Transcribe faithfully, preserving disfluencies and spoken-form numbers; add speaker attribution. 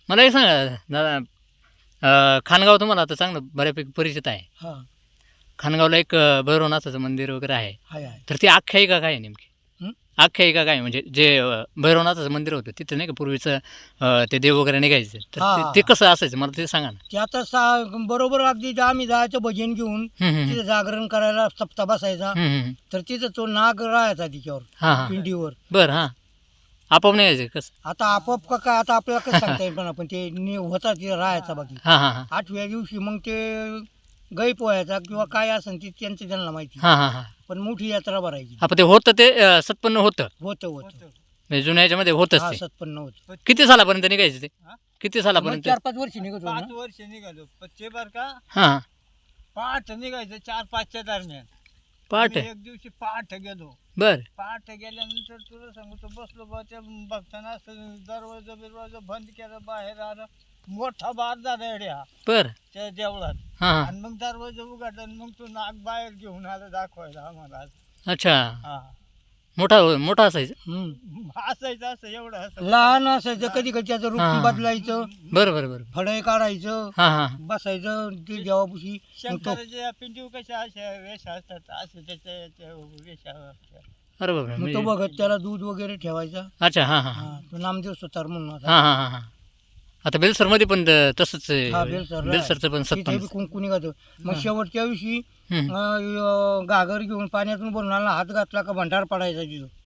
Speaker 1: मला एक सांगा दादा, अं, खानगाव तुम्हाला आता चांगलं बऱ्यापैकी परिचित आहे.
Speaker 2: हा
Speaker 1: खानगावला एक अं, भैरवनाथाचं मंदिर वगैरे आहे.
Speaker 2: हाय आहे.
Speaker 1: तर ती आख्यायिका काय आहे नेमकी?
Speaker 2: हं?
Speaker 1: आख्यायिका काय आहे? म्हणजे जे अं, भैरवनाथाचं मंदिर होतं तिथं नाही का पूर्वीचं अं, ते देव वगैरे निघायचे, तर
Speaker 2: हा,
Speaker 1: ते-
Speaker 2: हा,
Speaker 1: ते
Speaker 2: हा.
Speaker 1: कसं असायचं मला ते सांगा ना.
Speaker 2: ते आता सा बरोबर अगदी जे आम्ही जायचं भजन घेऊन
Speaker 1: हं, हं,
Speaker 2: तिथे जागरण करायला सप्ताह बसायचा.
Speaker 1: हं, हं, हं.
Speaker 2: तर तिथं तो नाग राहायचा तिच्यावर
Speaker 1: हां हां
Speaker 2: पिंडीवर.
Speaker 1: बरं हां आपोआप निघायचं कसं?
Speaker 2: आता आपोआप का काय आता आपल्याला कसं सांगता येईल, पण आपण ते नि- होता तिथे राहायचा बाकी.
Speaker 1: हां हां हां
Speaker 2: आठव्या दिवशी मग ते गाई पोहायचा किंवा काय असेल ते त्यांचं त्यांना माहिती.
Speaker 1: हां हां हां
Speaker 2: पण मोठी यात्रा भरायची.
Speaker 1: आपण ते होतं ते अं, सत्पन्न होतं
Speaker 2: होतं होतं
Speaker 1: म्हणजे जुन्या याच्यामध्ये होतच
Speaker 2: हा
Speaker 1: ते.
Speaker 2: सत्पन्न होतं.
Speaker 1: किती सालापर्यंत निघायचं ते? किती
Speaker 2: मग
Speaker 1: सालापर्यंत?
Speaker 2: चार पाच वर्ष निघत होतं
Speaker 3: पाच
Speaker 2: ना.
Speaker 3: वर्ष निघालो पण ते बर का
Speaker 1: हां हां
Speaker 3: पहाट निघायचं चार पाचच्या दरम्यान.
Speaker 1: पहाट
Speaker 3: आम्ही एक दिवशी पहाट गेलो.
Speaker 1: बर
Speaker 3: पहाट गेल्यानंतर तुला सांगतो बसलो बा त्या बघताना असं दरवाजा बिरवाजा बंद केला, बाहेर आलं मोठा बार झाला एड्या
Speaker 1: बर
Speaker 3: त्या देवळात.
Speaker 1: हां हां
Speaker 3: आणि मग दरवाजा उघडला आणि मग तो नाग बाहेर घेऊन आला दाखवायला आम्हाला.
Speaker 1: अच्छा
Speaker 3: हा
Speaker 1: मोठा मोठा असायचं.
Speaker 2: हम्म.
Speaker 3: असायचं असं एवढं असं
Speaker 2: लहान असायचं, कधी कधी त्याचं
Speaker 1: हा.
Speaker 2: रूप बदलायचं,
Speaker 1: बरं बरं बरं
Speaker 2: फळे काढायचं,
Speaker 1: हां हां
Speaker 2: बसायचं ते देवापाशी. मग तो
Speaker 3: शंकराच्या पिंडी कशा अशा वेश असतात असे त्याच्या त्या वेशावर.
Speaker 1: अरे बापरे
Speaker 2: मग तो
Speaker 1: म्हणजे
Speaker 2: बघत त्याला दूध वगैरे ठेवायचा.
Speaker 1: अच्छा हां हां हां
Speaker 2: हा तो नामदेव सुतार म्हणून होता.
Speaker 1: हां हां हां हां आता बेलसरमध्ये पण त- तसंच आहे.
Speaker 2: हा बेलसरला
Speaker 1: बेलसरचं पण
Speaker 2: तिथे
Speaker 1: सत्पन्न.
Speaker 2: बी कुंकू निघायचं. मग शेवटच्या दिवशी
Speaker 1: हं.
Speaker 2: अं, घागर घेऊन पाण्यातून भरून आला, हात घातला का भंडार पडायचा तिथं.